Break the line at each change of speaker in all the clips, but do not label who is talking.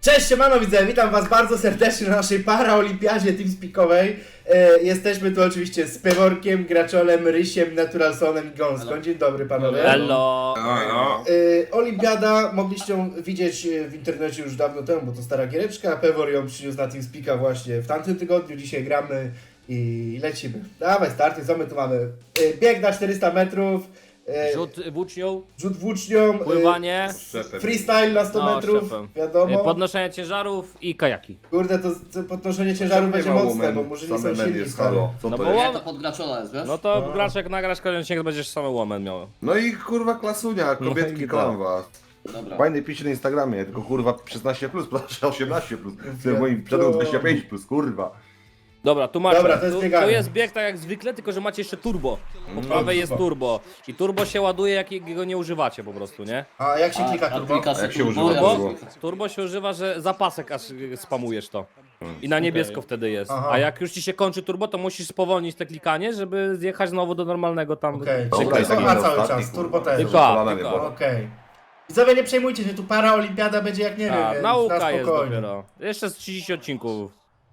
Cześć, siemano widzowie, witam was bardzo serdecznie na naszej paraolimpiadzie TeamSpeakowej. Jesteśmy tu oczywiście z Peworkiem, Graczolem, Rysiem, Naturalsonem i Gąską. Dzień dobry panowie.
Hello!
Olimpiada mogliście ją widzieć w internecie już dawno temu, bo to stara giereczka. Pewor ją przyniósł na TeamSpeaka właśnie w tamtym tygodniu, dzisiaj gramy i lecimy. Dawaj, starty, co my tu mamy? Bieg na 400 metrów.
Rzut włócznią,
Rzut włócznią,
pływanie,
freestyle na 100 metrów,
szefem.
wiadomo.
Podnoszenie ciężarów i kajaki.
Kurde, to podnoszenie ciężaru będzie mocne, bo murzyni są silni, stary.
Co
No
to
bo
jest?
łom-
To pod graczola jest, wiesz?
No to gracz jak nagrasz kolejny odcinek, będziesz same łomen miał.
No i kurwa klasunia, kobietki
i
kocham was.
Dobra.
Fajny pisze na Instagramie, tylko kurwa 16+, proszę 18+. To jest moim przedem 25+, kurwa.
Dobra, tu macie.
Dobra, to jest bieganie.
Tu jest bieg tak jak zwykle, tylko że macie jeszcze turbo. Po prawej jest turbo. I turbo się ładuje, jak go nie używacie po prostu, nie?
A jak się klika turbo?
Jak się używa
Turbo?
turbo?
Turbo się używa, że zapasek aż spamujesz to. I na niebiesko wtedy jest.
Aha.
A jak już ci się kończy turbo, to musisz spowolnić te klikanie, żeby zjechać znowu do normalnego tam.
Okej,
Dobra,
czyli
jest
tylko
taki
A cały
ostatni,
czas,
kurwa.
turbo też.
Tylko
Kolana nie
tylko.
bolą.
Okej. Widzowie, nie przejmujcie się, tu paraolimpiada będzie jak nie wiem,
A,
więc
nauka
na
jest
spokojnie.
dopiero. Jeszcze z 30 odcinków.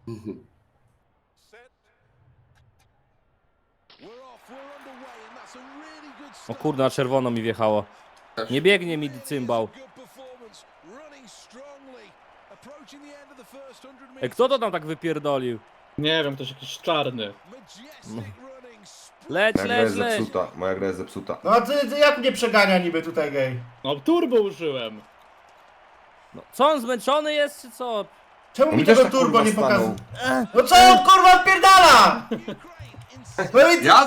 O kurde, na czerwono mi wjechało. Nie biegnie mi cymbał. Kto to tam tak wypierdolił?
Nie wiem, ktoś jakiś czarny.
Leć,
Moja gra
leć,
jest
leć.
zepsuta, moja gra jest zepsuta.
No a ty jak mnie przegania niby tutaj gej?
No turbo użyłem.
No, co on zmęczony jest, czy co?
Czemu
On
mi
też
tego
tak,
turbo
kurwa,
nie pokazuje?
stanął.
No co on kurwa odpierdala? No i
Ja?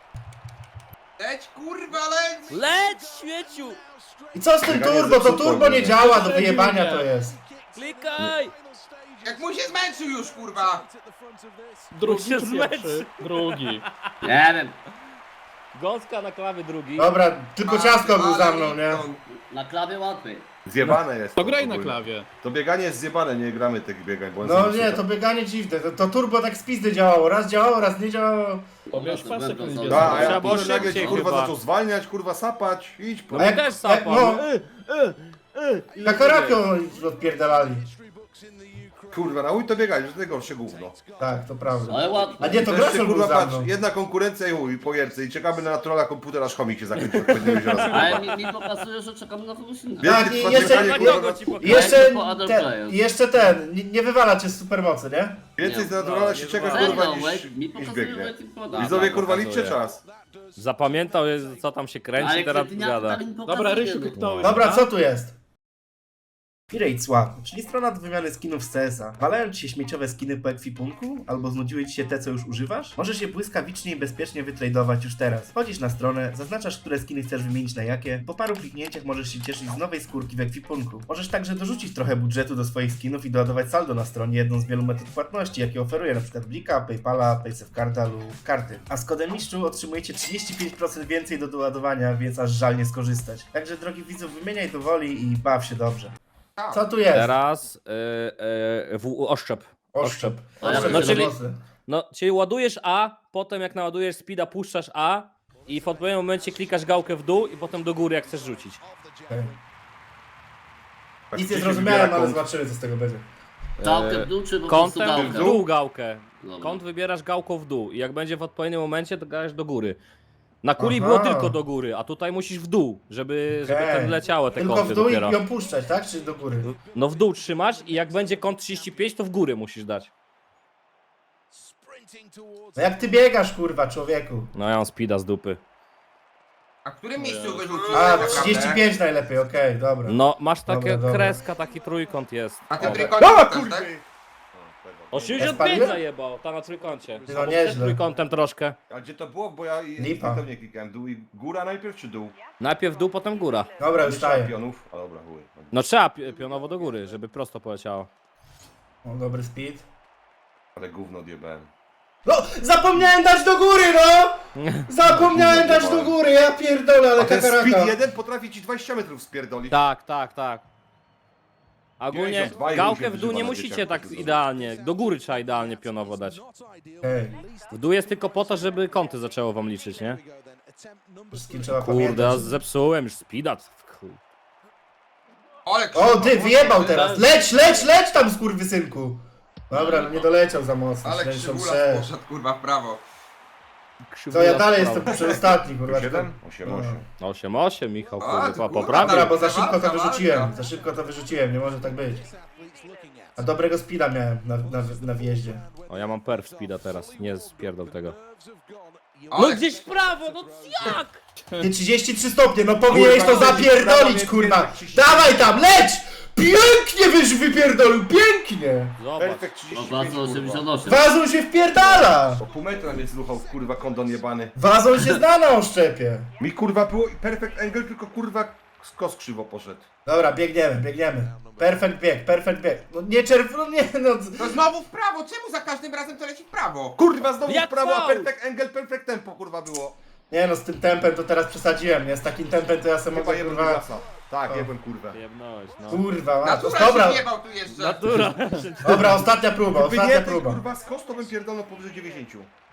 Leć kurwa leć!
Leć, śmieciu!
I co z tym
Bieganie
turbo? To
zepsuto,
turbo nie
nie?
działa, do wyjebania to jest.
Klikaj!
Jak mu się zmęczył już kurwa!
Drugi
się
czy
zmęczy.
pierwszy? Drugi.
Nie wiem,
Gąska na klawie drugi.
Dobra, tylko ciastko był za mną, nie?
na klawie łatwiej.
Zjebane jest.
To graj na
ogólnie.
klawie.
To bieganie jest zjebane, nie gramy tych biegań, bo on
No
jest
nie, to
zepsute.
bieganie dziwne. To turbo tak z pizdy działało. Raz działało, raz nie działało.
Powiesz
to
pasek
będą
nie
są-
zbierz.
Da, a
Trzeba
jak
było
kurwa nagle
szybciej
ci kurwa
chyba.
zaczął zwalniać, kurwa sapać, idź.
No
A
my
jak-
też
jak-
sapał.
no. Kakaraką odpierdalali.
Kurwa, nauj to biegać, że to najgorsze gówno.
Tak, to prawda.
Ale łatwo.
A nie, to
Wreszcie,
Grasol był
kurwa,
za
patrz,
mną.
jedna konkurencja i chuj, po jerce i czekamy na naturala komputera, aż chomik się zakończy, jak będziemy się raz.
Ale mi pokazuje, że czekamy na kogoś innego.
Tak,
Wielkie
i jeszcze-
patrzenie,
Na
kurwa,
kogo ci pokażę?
Jeszcze
Jak to other
ten,
players.
jeszcze ten, nie wywala cię z supermocy, nie?
Więcej z naturala
No,
się
nie
czeka,
wolno.
kurwa,
Serio,
niż
mi pokazuje,
biegnie.
że poda.
Widzowie,
Tak,
kurwa,
pokazuje.
liczcie czas.
Zapamiętał, co tam się kręci,
Ale
teraz
kretyniaki
gada.
tak mi pokazuje.
Dobra, Rysiu,
no.
kliknąłeś.
Dobra, co tu jest? Pirate Swap, czyli strona do wymiany skinów z CS-a. Walają ci się śmieciowe skiny po ekwipunku? Albo znudziły ci się te, co już używasz? Możesz je błyskawicznie i bezpiecznie wytradować już teraz. Wchodzisz na stronę, zaznaczasz, które skiny chcesz wymienić na jakie. Po paru kliknięciach możesz się cieszyć z nowej skórki w ekwipunku. Możesz także dorzucić trochę budżetu do swoich skinów i doładować saldo na stronie, jedną z wielu metod płatności, jakie oferuje np. Blika, Paypala, Paysafecarda lub karty. A z kodem mistrzu otrzymujecie 35% więcej do doładowania, więc aż żal nie skorzystać. Także drogi widzów, wymieniaj do woli i baw się dobrze. Co tu jest?
Teraz oszczep.
Oszczep.
A ja
Oszczep
no,
do
czyli-
mocy.
No, czyli ładujesz A, potem jak naładujesz speeda, puszczasz A i w odpowiednim momencie klikasz gałkę w dół i potem do góry, jak chcesz rzucić.
Okej.
Tak,
Nic
gdzie
nie
się
zrozumiałem,
wybiera
ale
kąt?
zobaczymy co z tego będzie.
Gałkę w dół, czy po prostu
Kątem w
gałkę?
dół gałkę.
Dobra.
Kąt wybierasz gałką w dół i jak będzie w odpowiednim momencie, to grasz do góry. Na kuli
Aha.
było tylko do góry, a tutaj musisz w dół, żeby
Okej.
ten leciały te
Tylko
kąty
w dół i
dopiero.
ją puszczać, tak? Czy do góry?
No w dół trzymasz i jak będzie kąt 35, to w górę musisz dać.
No jak ty biegasz, kurwa, człowieku?
No ja mam speeda z dupy.
A w którym miejscu wyrzucił?
A,
tak
35 najlepiej, okej, dobra.
No masz takie
Dobra, dobra.
kreska, taki trójkąt jest.
A ty
O.
trójkącie
A,
tak?
kurwa!
O
Ja
65
spaliłem?
zajebał, ta na trójkącie.
No
Albo
nieźle.
przed trójkątem troszkę.
A gdzie to było? Bo ja
Lipa.
nie klikałem. Dół i góra najpierw czy dół?
Najpierw dół, potem góra.
Dobra, już staję.
Czempionów. A dobra, chuj.
No trzeba pionowo do góry, żeby prosto poleciało.
O, dobry speed.
Ale gówno odjebałem.
No, zapomniałem dać do góry, no! Zapomniałem dać do góry, ja pierdolę, ale
A ten
kakaraka.
speed 1 potrafi ci 20 metrów spierdolić.
Tak, tak, tak. Ogólnie
92 i
gałkę
ludzie
w dół nie
wyzywa na
musicie
dzieciach,
tak
to jest
idealnie. Do góry trzeba idealnie pionowo dać.
Ej,
W dół jest tylko po to, żeby kąty zaczęło wam liczyć, nie?
wszystkim trzeba
Kurde, ja
pamiętać.
zepsułem już speeda. Chuj.
Ale
O, ty
krzywo,
wyjebał
kurde.
teraz. Leć tam, skurwysynku. Dobra, no nie doleciał za mocno.
Ale krzywola
66.
poszedł kurwa w prawo.
To ja dalej jestem przedostatni, kurwa.
7? 8-8.
8-8, Michał,
A,
kurwa,
ty kurwa,
poprawił.
Dobra, bo za szybko to
Walka,
wyrzuciłem.
walka.
Za szybko to wyrzuciłem, nie może tak być. A dobrego speeda miałem na wjeździe.
O, ja mam perf speeda teraz, nie spierdol tego.
Ale
No gdzieś w prawo, no jak?
Ty 33 stopnie, no powinieneś to
Kurwa,
zapierdolić,
prawo
kurwa!
mnie 35.
Dawaj tam, leć! Pięknie wypierdolił, pięknie!
Zobacz.
Perfekt
No
35,
bardzo
kurwa.
88.
Wazon się wpierdala!
O pół metra mnie zruchał, kurwa, kondon jebany.
Wazon się zna na oszczepie.
Mi kurwa było perfect angle, tylko kurwa skos krzywo poszedł.
Dobra, biegniemy. Perfect bieg. No nie no nie, no.
to znowu w prawo, czemu za każdym razem to leci w prawo?
Kurwa, znowu
Jak
w prawo, a
faul!
perfect angle, perfect tempo, kurwa, było.
Nie no, z tym tempem to teraz przesadziłem, nie? Z takim tempem to ja sobie
Chyba
mogę,
jebłem
kurwa...
Dugasa. Tak,
O.
jebłem kurwę.
Jebnąłeś, no.
Kurwa,
Natura
dobra.
się wjebał tu jeszcze.
Natura.
Dobra, ostatnia próba,
Gdyby
ostatnia
nie ten
próba.
kurwa skos, to bym pierdolnął powyżej 90.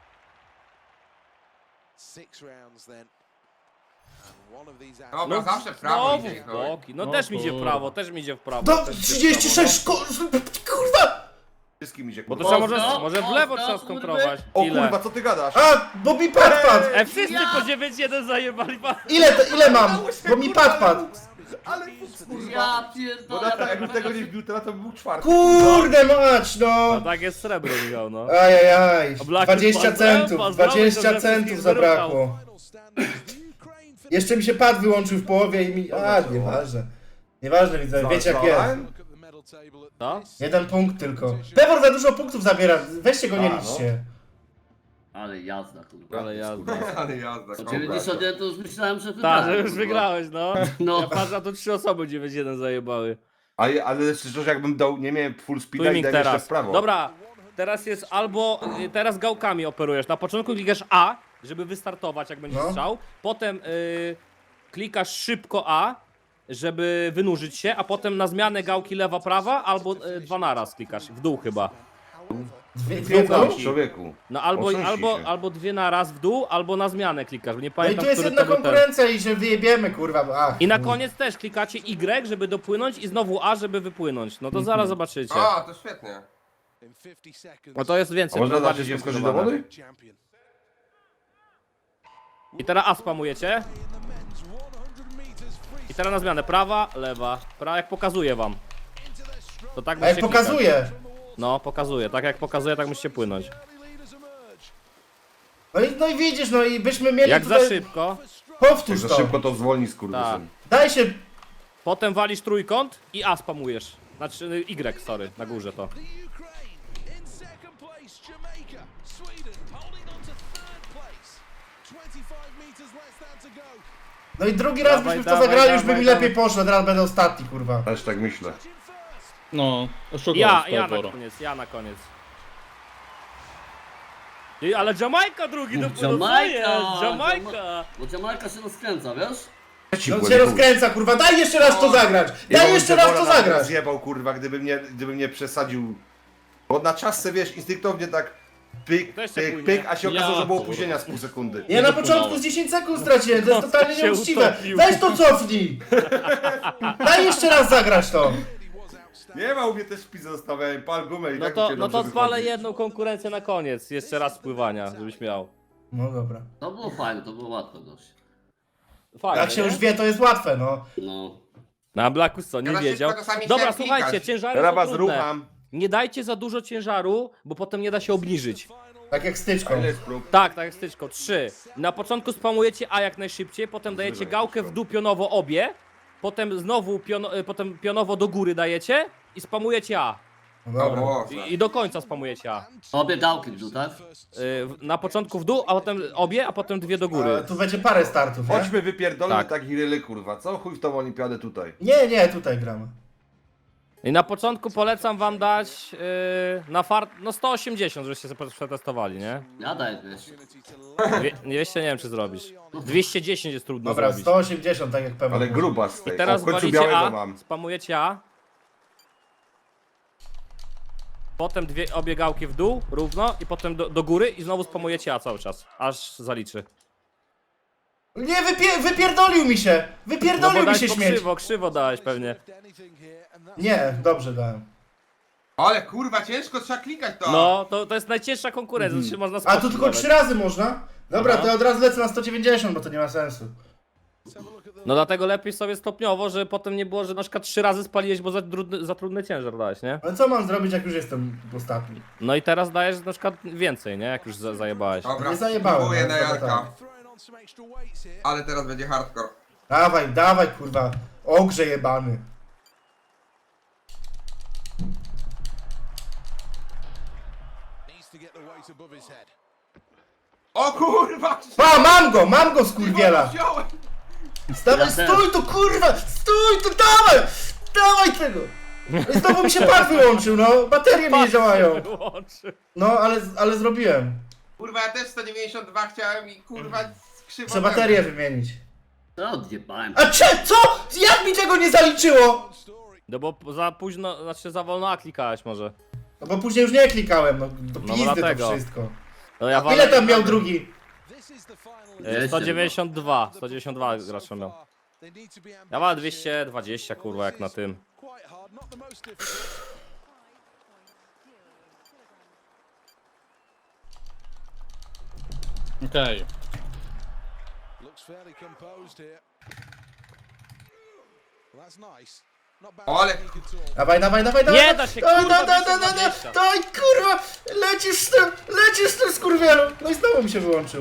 Dobra,
No,
zawsze w prawo
znowu
idzie.
w
no.
boki. No
No
też mi idzie w
kurwa.
prawo, też mi idzie w prawo.
Do
też mi idzie w
36 kurwa!
Wszystkim idzie
Bo to
kurwa.
trzeba może w lewo
Mocno,
trzeba skontrować.
O
Ile?
kurwa, co ty gadasz?
A, bo mi padł!
Wszyscy po 9-1 zajebali.
Ile mam? Bo mi padł.
Ale fuks, kurwa.
Ja
Bo
pierdolę.
na to, jakbym tego nie wbił, teraz to by był czwarty.
Kurde mać,
No
no!
tak jest srebro, Michał, no.
Ajajaj,
O, Black
20
Pozdrow,
centów,
pozdrowię,
20
to, że
centów
wszystkich
zabrakło. Jeszcze mi się pad wyłączył w połowie i mi... A, nieważne. Nieważne, widzę, wiecie jak jest.
No?
Jeden punkt tylko. Pewor za dużo punktów zabiera, weźcie go nie
A, no.
liczcie.
Ale jazda, kurwa.
Ale jazda.
Ale jazda,
O
kurwa.
91 to już myślałem, że
Tak,
wygrałem.
że już
kurwa.
wygrałeś, no.
No.
Ja patrzę, a tu 3 osoby 9-1 zajebały.
Ale szczerze, jakbym dał, nie miałem full speeda i
Twimming
dałem jeszcze
teraz.
w prawo.
Dobra, teraz jest albo, teraz gałkami operujesz. Na początku klikasz A, żeby wystartować, jak będzie
No.
strzał. Potem klikasz szybko A, żeby wynurzyć się, a potem na zmianę gałki lewa, prawa, albo dwa naraz klikasz, w dół chyba.
Dwie
Piękno.
dół?
Piękność, człowieku.
No albo,
Otrząśnij
albo,
się.
albo dwie naraz w dół, albo na zmianę klikasz, bo nie
No i
pamiętam,
tu jest
który
jedna
to był ten.
konkurencja i że wyjebiemy, kurwa. Ach,
I na koniec też klikacie Y, żeby dopłynąć i znowu A, żeby wypłynąć. No to zaraz zobaczycie.
A, to świetnie.
No to jest
A
więcej.
można
to
dać
bardziej
się wskoczyć do
skomplikowane.
wody?
I teraz A spamujecie. I teraz na zmianę. Prawa, lewa. Jak pokazuję wam. To tak
a jak
musicie klikać.
pokazuje.
No, pokazuje. Tak jak pokazuje, tak musicie płynąć.
No i widzisz, no i byśmy mieli
Jak za
tutaj...
szybko,
Jak
Powtórz
za
to.
szybko to zwolni
tak.
skurwysyn.
Daj się...
Potem walisz trójkąt i A spamujesz. Znaczy Y, sorry, na górze to.
No i drugi raz
Dawaj,
byśmy w to
dawaj,
zagrali, już by
dawaj,
mi
dawaj.
lepiej poszło, teraz będę ostatni, kurwa.
Też tak myślę.
No, oszukał
Ja
Pewora.
na koniec, ja na koniec. Ale Jamajka drugi dopłynął, co
Jamajka,
jest? Jamajka!
Bo Jamajka się rozkręca, wiesz?
No się rozkręca, kurwa, daj jeszcze raz to zagrać! Daj jeszcze raz to zagrać!
Zjebał, kurwa, gdyby mnie przesadził. Bo na czasce, wiesz, instynktownie tak pyk,
Też się
pyk,
płynie.
pyk, a się okazało,
Ja,
że było
kurwa.
opóźnienia z pół sekundy.
Ja na
dopłynąłem.
początku z 10 sekund straciłem, to jest
No,
totalnie
się
nieuczciwe!
utopił.
Weź to cofnij! Daj jeszcze raz zagrać to!
Nie ma u mnie też wpis zostawiałem, pal gumę i
No
tak
to,
mi się
no
dobrze
to zwalę
wychodzi.
jedną konkurencję na koniec. Jeszcze raz spływania, żebyś miał.
No dobra.
To było fajne, to było łatwe dość.
Fajnie,
Jak się
nie?
już wie, to jest łatwe, no.
No.
Na Blackus co, nie
Ja
wiedział.
szybko czasami
Dobra,
chciałem
słuchajcie,
klikać.
ciężary
Teraz
są
was
trudne.
rucham.
Nie dajcie za dużo ciężaru, bo potem nie da się obniżyć.
Tak jak styczką.
A ile jest prób?
Tak, tak jak styczko. 3. Na początku spamujecie A jak najszybciej, potem dajecie
Zrywaj
gałkę
jakiś
w dół pionowo obie, potem znowu potem pionowo do góry dajecie i spamujecie A.
No dobra.
O,
I do końca spamujecie A.
Obie gałki w dół, tak?
Na początku w dół, a potem obie, a potem dwie do góry.
Ale tu będzie parę startów, nie?
Chodźmy wypierdolmy
Tak.
tak iryly, kurwa. Co chuj w tą olimpiadę tutaj?
Nie, tutaj gramy.
I na początku polecam wam dać na fart, no 180, żebyście sobie przetestowali, nie?
Ja daję 200.
200 nie wiem czy zrobisz. 210 jest trudno
Dobra,
zrobić.
180, tak jak pewnie.
Ale gruba z tej.
I teraz
O, w końcu
walicie
białego
A,
mam.
spamujecie A. Potem obie gałki w dół, równo, i potem do góry i znowu spamujecie A cały czas, aż zaliczy.
Nie, wypierdolił mi się!
No
Wypierdolił
bo
mi
dałeś
się
po
śmieć!
krzywo dałeś pewnie.
Nie, dobrze dałem.
Ale kurwa, ciężko trzeba klikać to.
No, to jest najcięższa konkurencja, to się można
A tu
spotkać
tylko
nawet.
3 razy można? Dobra,
Aha.
to ja od razu lecę na 190, bo to nie ma sensu.
No dlatego lepiej sobie stopniowo, że potem nie było, że na przykład 3 razy spaliłeś, bo za trudny ciężar dałeś, nie?
Ale co mam zrobić, jak już jestem ostatni?
No i teraz dajesz na przykład więcej, nie? Jak już zajebałeś.
Dobra,
Nie zajebałem,
spróbuję
ale
na
dobra,
Jarka. Ale teraz będzie hardcore.
Dawaj, dawaj, kurwa. Ogrze jebany.
O kurwa!
Pa, mam go, skurwiela!
Wziąłem!
Stawaj,
Ja też.
stój tu, kurwa! Stój tu, dawaj! Dawaj tego! I znowu mi się pad wyłączył, no. Baterie mi nie działają.
Wyłączy.
No, ale zrobiłem.
Kurwa, ja też 192 chciałem i kurwa krzywo.
Trzeba baterię wymienić.
To odjebałem.
A co? Jak mi tego nie zaliczyło?
No bo za późno, znaczy za wolno A klikałeś może.
No bo później już nie klikałem, no do
No
pizdy to
dlatego.
wszystko.
No ja
Ile tam miał drugi?
192 gracza miał. Ja mam 220 kurwa jak na tym.
Okej.
Ale
Dawaj.
Nie da się,
Dawaj,
kurwa,
dawaj,
220.
dawaj, kurwa! Lecisz z tym skurwielu! No i znowu mi się wyłączył.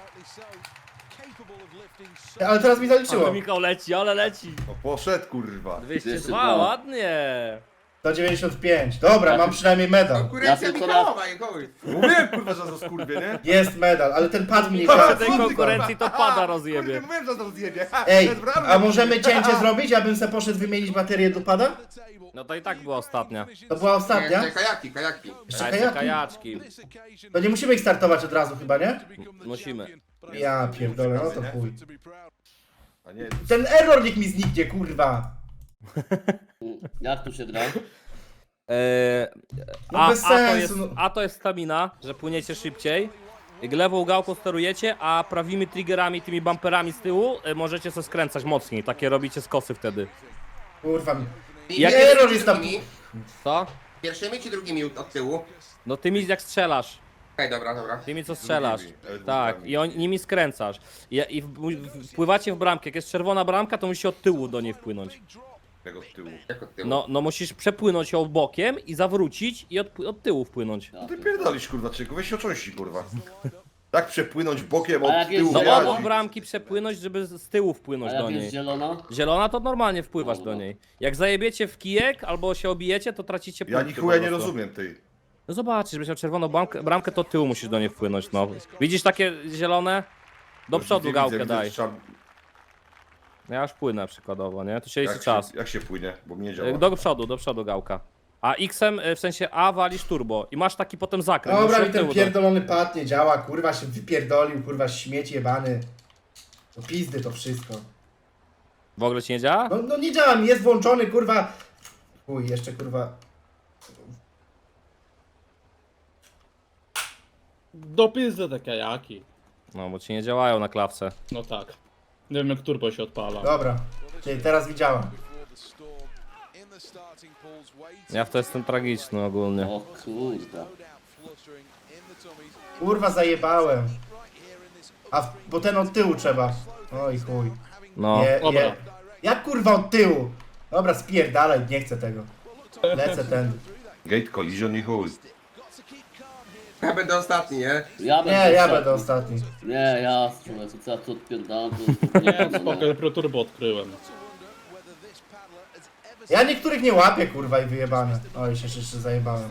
Ale teraz mi zaliczyło.
Ale Michał leci, ale leci.
O, poszedł kurwa.
202,
202.
ładnie.
195. Dobra, mam przynajmniej medal.
konkurencja
Ja tylko
Michała i chuj.
Mówiłem kurwa, że za skurwie, nie?
Jest medal, ale ten pad mi nie
Przy
działa.
tej
Kurwa.
konkurencji to pada
Kurde,
rozjebie.
mówiłem, że za zjebie.
Ej,
To jest prawda.
a możemy cięcie zrobić, abym se poszedł wymienić baterię do pada?
No to i tak była ostatnia.
To była ostatnia?
Jeszcze kajaki.
Jeszcze
A jeszcze
kajaki?
kajaczki.
To nie musimy ich startować od razu chyba, nie?
Musimy.
Ja pierdolę, no to chuj.
A nie,
Ten error niech mi zniknie, kurwa.
Jak tu się gra?
No bez sensu,
jest,
no.
A to jest stamina, że płyniecie szybciej. Lewą gałką sterujecie, a prawymi triggerami, tymi bumperami z tyłu możecie sobie skręcać mocniej. Takie robicie skosy wtedy.
Kurwa mi.
Jak
Nie,
jest
error jest tam.
Co?
Pierwszymi czy drugimi od tyłu?
No tymi jak strzelasz.
Okej, dobra.
Tymi co strzelasz.
Drugimi,
Tak,
drugimi.
i nimi skręcasz. I wpływacie w bramkę. Jak jest czerwona bramka, to musisz od tyłu do niej wpłynąć.
tego z tyłu.
Jak od tyłu?
No musisz przepłynąć ją bokiem i zawrócić i od tyłu wpłynąć.
No ty pierdolisz kurwa, czyku, weź się ocząści kurwa. Tak przepłynąć bokiem
A
od
jak jest
tyłu
No
zielona?
obok bramki przepłynąć, żeby z tyłu
A
wpłynąć
jak
do
jest
niej.
zielona?
Zielona to normalnie wpływasz
Dobra.
do niej. Jak zajebiecie w kijek albo się obijecie, to tracicie
Ja
punkty
ni chuja
po
nie
prostu.
rozumiem tej.
No zobaczysz, żebyś miał czerwoną bramkę, to tyłu musisz do niej wpłynąć, no. Widzisz takie zielone? Do przodu
Widzę,
gałkę
widzę,
daj.
trzeba-
Ja już płynę przykładowo, nie? To się liczy
Jak
czas.
jak się płynie, bo mnie nie działa.
Do przodu gałka. A X-em, w sensie A walisz turbo i masz taki potem zakręt.
Dobra,
musisz
mi ten
od tyłu do-
pierdolony pad nie działa, kurwa się wypierdolił, kurwa śmieć jebany. To pizdy to wszystko.
W ogóle ci nie działa?
No nie działa mi, jest włączony, kurwa. Chuj, jeszcze kurwa.
Do pizdy te kajaki.
No, bo ci nie działają na klawce.
No tak. Nie wiem jak turbo się odpala.
Dobra, czyli teraz widziałem.
Ja w to jestem tragiczny ogólnie.
O kurde.
Kurwa zajebałem. Bo ten od tyłu trzeba. Oj chuj.
No.
Dobra.
Jak kurwa od tyłu? Dobra, spierdalaj, nie chcę tego. Lecę ten.
Gate collision i chuj.
Ja będę ostatni, nie?
Nie, ja będę ostatni.
Nie, ja strzelę, co ja tu odpierdalam,
Nie, spoko, dopiero turbo odkryłem.
Ja niektórych nie łapię, kurwa, i wyjebane. Oj, się jeszcze zajebałem.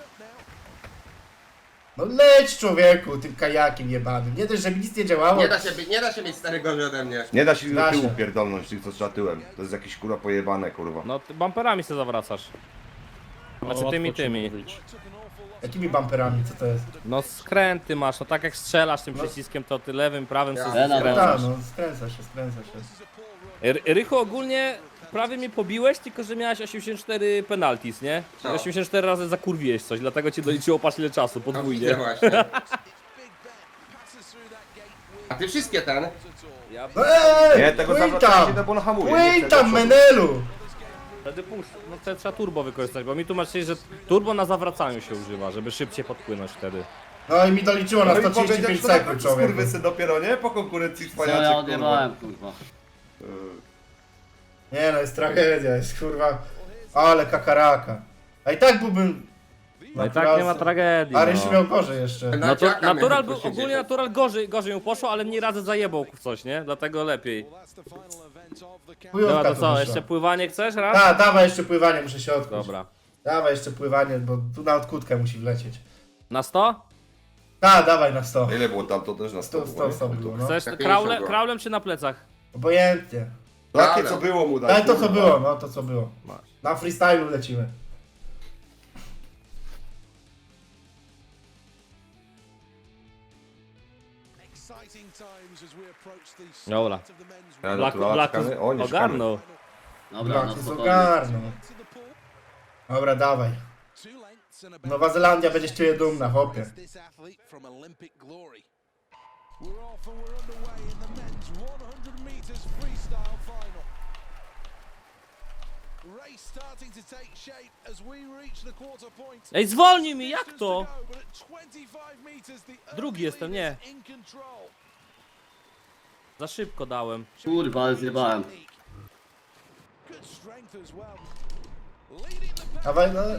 No leć, człowieku, tym kajakiem jebanym. Nie dość, że mi nic nie działało.
Nie da się mieć starego ode mnie.
Nie da się do
Da
tyłu
się.
pierdolnąć, tych co trzeba tyłem. To jest jakieś kurwa pojebane kurwa.
No, ty bumperami się zawracasz. Znaczy
łatwo
tymi,
ci
tymi.
mówić.
Jakimi bumperami, co to jest?
No skręty masz, no tak jak strzelasz tym przyciskiem, to ty lewym, prawym
Ja.
sobie
Ja
Tak,
skręcasz.
no, skręca się.
Rychu ogólnie prawie mnie pobiłeś, tylko że miałeś 84 penalties, nie?
Co?
84 razy zakurwiłeś coś, dlatego ci doliczyło patrz ile czasu,
No widzę
podwójnie.
właśnie. A ty wszystkie ten?
Ja
No
Nie, tego
płyń
zawracania się
tam!
to bo on hamuje.
Płyń
nie chce
tam,
do przodu.
Menelu!
wtedy puszczę. No to trzeba turbo wykorzystać, bo mi tłumaczyli, że turbo na zawracaniu się używa, żeby szybciej podpłynąć wtedy.
No i mi doliczyło na
No i
135
powiedział, że
sekund,
to
człowiek.
skurwysy dopiero, nie? Po konkurencji
Co ja
cwaniaczek, kurwa.
odjebałem, kurwa.
Nie no, jest tragedia, jest kurwa... Ale kakaraka. A i tak byłbym...
No i tak nie ma tragedii.
A Rysiu
No.
miał gorzej jeszcze.
Natural był, ogólnie natural gorzej mu poszło, ale mnie razy zajebał w coś, nie? Dlatego lepiej.
Chujówka
Dobra, to co,
wyszła.
jeszcze pływanie chcesz raz?
A, dawaj jeszcze pływanie, muszę się odkuć.
Dobra.
Dawaj jeszcze pływanie, bo tu na odkutkę musi wlecieć.
Na 100?
A, dawaj na 100.
Ile było tam, to też na 100
100 było, no.
Chcesz
Ja 50 go.
kraulem czy na plecach?
Obojętnie.
Takie co było mu dać.
Daj to co
kurwa.
było, no to co było.
Masz.
Na freestylu lecimy.
Dobra.
Ja
Blaku
naturala czekamy. O, nie czekamy.
ogarnął.
Dobra, no
Blaki
spokojnie.
ogarną. Dobra, dawaj. Nowa Zelandia będzie z ciebie dumna, chłopie.
Ej, zwolnij mi, jak to? Drugi jestem, nie. Za szybko dałem.
Kurwa, ale zjebałem.
Dawaj, no.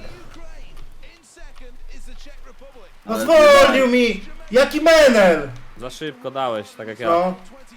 No
Ale
zwolnił mi! Jaki menel!
Za szybko dałeś, tak jak ja.
No.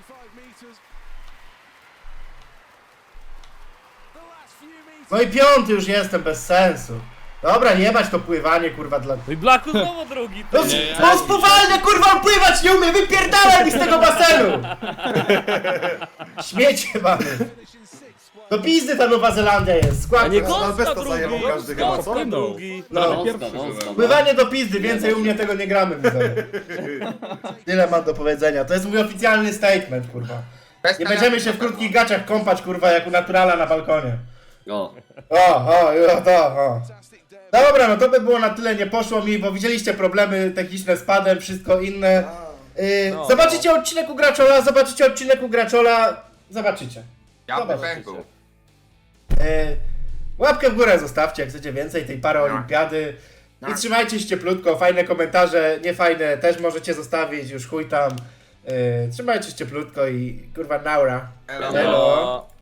No i piąty już jestem, bez sensu. Dobra, jebać to pływanie, kurwa, dla...
No i Blaku znowu drugi.
No,
Ty.
no spowalnie, kurwa, pływać nie umie, wypierdalaj mi z tego basenu! Śmiecie, mamy. Do pizdy ta Nowa Zelandia jest,
A
skład.
nie
bez
Gąska
to zajebał
drugi.
każdy chyba, co?
Gąska drugi.
No.
Wąska, wąska, no.
Pływanie do pizdy, więcej u mnie tego nie gramy, widzowie. Tyle mam do powiedzenia, to jest mój oficjalny statement, kurwa. Nie będziemy się w krótkich gaciach kąpać, kurwa, jak u naturala na balkonie.
O,
O. Dobra, no to by było na tyle, nie poszło mi, bo widzieliście problemy techniczne z padem, wszystko inne.
No.
Zobaczycie odcinek u Graczola, zobaczycie.
Ja bym
Zobaczcie.
pękł.
Łapkę w górę zostawcie, jak chcecie więcej tej paraolimpiady. I trzymajcie się cieplutko, fajne komentarze, niefajne też możecie zostawić, już chuj tam. Trzymajcie się cieplutko i kurwa naura.
Elo.
Elo.